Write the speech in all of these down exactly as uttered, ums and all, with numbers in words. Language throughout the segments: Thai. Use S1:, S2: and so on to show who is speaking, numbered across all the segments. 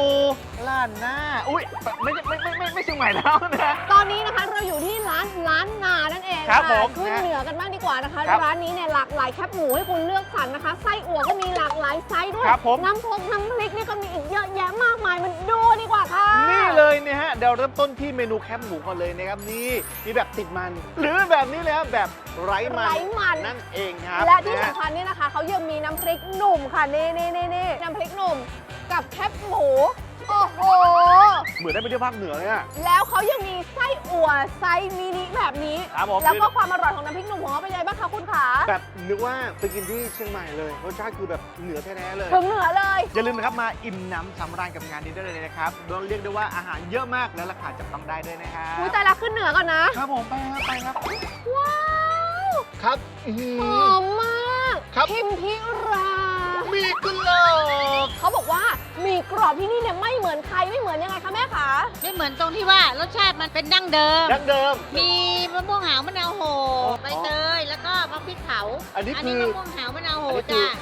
S1: ล้านหน้าอุ้ยไม่ไม่ไม่ไม่ไม่เชียงใหม่แล้วนะ
S2: ตอนนี้นะคะเราอยู่ที่ร้านร้านนานั่นเอง
S1: ครับผม
S2: ขึ้นเหนือกันบ้างดีกว่านะคะ
S1: ครับ
S2: ร้านนี้เนี่ยหลากหลายแคบหมูให้คุณเลือกสรรนะคะไส้อั่วก็มีหลากหลายไซส์ด้วย
S1: ครับผม
S2: น้ำพกน้ำพริกนี่ก็มีอีกเยอะแยะมากมายมันดูดีกว่าค่ะ
S1: นี่เลยเนี่ยฮะเดี๋ยวเริ่มต้นที่เมนูแคบหมูก่อนเลยนะครับนี่มีแบบติดมัน หรือแบบนี้เลยครับแบบไร้มัน
S2: ไร้มัน
S1: นั่นเองครับ
S2: และที่
S1: นฮ
S2: สำคัญนี่นะคะเขายังมีน้ำพริกหนุ่มค่ะนี่นี่นี่นี่น้ำพริกหนุ่มกับแคบหมูโอ้โห
S1: เหมือนได้ไปเที่ยวภาคเหนือเลยอะ
S2: แล้วเขายังมีไส้อั่วไซส์มินิแบบนี้
S1: ครับผม
S2: แล้วก็ความอร่อยของน้ำพริกหนุ่มของเขาเป็นยังไงบ้างคะคุณขา
S1: แบบนึกว่าไปกินที่เชียงใหม่เลยรสชาติคือแบบเหนือแท้ๆเลย
S2: ถึงเหนือเลย
S1: อย่าลืมนะครับมาอิ่มน้ำสำราญกับงานนี้ได้เลยนะครับโดยเรียกได้ว่าอาหารเยอะมากและราคาจับต้องได้ด้วยนะครับ
S2: อุ้ยแต่ละขึ้นเหนือก่อนนะ
S1: ครับผมไปครับไปครับ
S2: ว้าว
S1: ครับอื้อหื
S2: ห
S1: อ
S2: อมมาก
S1: ครับ
S2: พิมพิรา
S1: มีกุหลาบ
S2: เขาบอกว่ามีกรอบที่นี่เนี่ยไม่เหมือนใครไม่เหมือนยังไงคะแม่คะ
S3: ไม่เหมือนตรงที่ว่ารสชาติมันเป็นดั้งเดิม
S1: ดั้งเดิม
S3: มีมะม่วงหาวมะนาวโห
S1: อ๋อ
S3: ใบเตย แล้วก็มะพริกเผา
S1: อันนี้คือ
S3: มะม่วงหาวมะนาวโห
S1: อันนี้คือ
S3: จ้า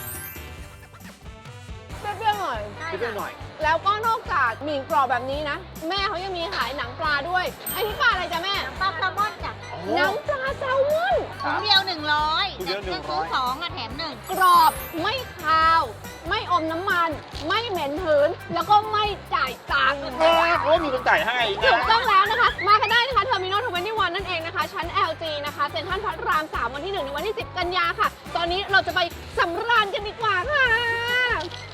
S2: เปรี้ยวๆหน่อย
S1: คิดได้หน่อย
S2: แล้วก็นอกจากหมี่กรอบแบบนี้นะ แม่เขายังมีขายหนังปลาด้วยไอ้นี่ปลาอะไรจ๊ะแม่
S3: ปลาแซลมอนจ้ะ
S1: โอ้
S2: หนังปลาแซลมอน
S3: ถุงเดียวหนึ่งร้อย
S1: ถุงเดียวหนึ่งร้อย
S3: ซื้อสองอะแถมหนึ่ง
S2: กรอบไม่คาว ไม่อมน้ำมัน ไม่เหม็นหืน แล้วก็ไม่จ่ายตังค์
S1: โอ้มีคนจ่ายให้
S2: ถูก
S1: นะ
S2: ต้องแล้วนะคะ มากันได้นะคะเทอร์มินอลทเวนตี้วันนั่นเองนะคะ ชั้น แอล จี นะคะเซ็นทรัลพระราม สาม วันที่หนึ่งถึงวันที่สิบกันยาค่ะ ตอนนี้เราจะไปสำราญกันดีกว่าค่ะ